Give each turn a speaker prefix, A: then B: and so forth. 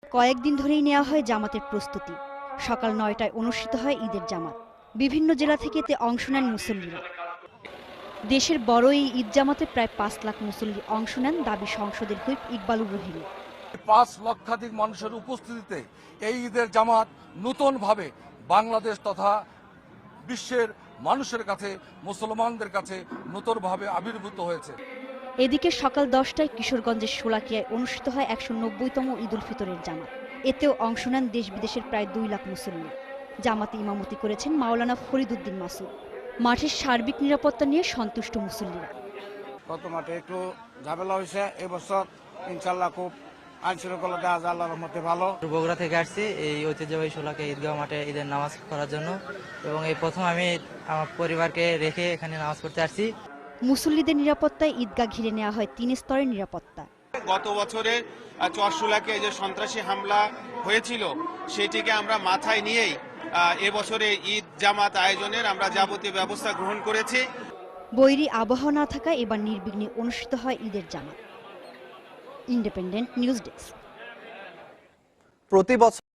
A: কয়েকদিন ধরেই নেওয়া হয় জামাতের প্রস্তুতি। সকাল ৯টায় অনুষ্ঠিত হয় ঈদের জামাত। বিভিন্ন জেলা থেকে এতে অংশ নেন মুসল্লিরা। দেশের বড় এই ঈদ জামাতে প্রায় ৫ লাখ মুসল্লি অংশ নেন, দাবি সংসদের হুইপ ইকবালুর রহিম।
B: ৫ লক্ষাধিক মানুষের উপস্থিতিতে এই ঈদের জামাত নতুনভাবে বাংলাদেশ তথা বিশ্বের মানুষের কাছে, মুসলমানদের কাছে নতুনভাবে আবির্ভূত হয়েছে।
A: এদিকে সকাল ১০টায় কিশোরগঞ্জের শোলাকিয়ায় অনুষ্ঠিত হয় ১৯০তম ঈদ উল ফিতরের জামাত। এতেও অংশ নেন দেশ বিদেশের প্রায় ২ লাখ মুসল্লি। জামাতে ইমামতি করেছেন মাওলানা ফরিদ উদ্দিন মাসুদ। মাঠের সার্বিক নিরাপত্তা নিয়ে সন্তুষ্ট মুসল্লিরা।
C: গত মাঠে একটু ঝামেলা হয়েছে, এবছর ইনশাল্লাহ খুব আইন শৃঙ্খলা দেওয়া যায় আল্লাহর মধ্যে ভালো।
D: বগুড়া থেকে আসছি এই ঐতিহ্যবাহী শোলাকিয়া ঈদগাহ মাঠে ঈদের নামাজ পড়ার জন্য, এবং এই প্রথম আমি আমার পরিবারকে রেখে এখানে নামাজ পড়তে আসছি।
A: মুসল্লিদের নিরাপত্তায় ঈদগাহ ঘিরে নেওয়া হয় ৩ স্তরের নিরাপত্তা।
E: গত বছরের চরশোলাকিয়ায় যে সন্ত্রাসী হামলা হয়েছিল সেটিকে আমরা মাথায় নিয়েই এবছরে ঈদ জামাত আয়োজনের আমরা যাবতীয় ব্যবস্থা গ্রহণ করেছি।
A: বৈরী আবহাওয়া না থাকায় এবার নির্বিঘ্নে অনুষ্ঠিত হয় ঈদের জামাত। Independent news desk.
F: প্রতি বছর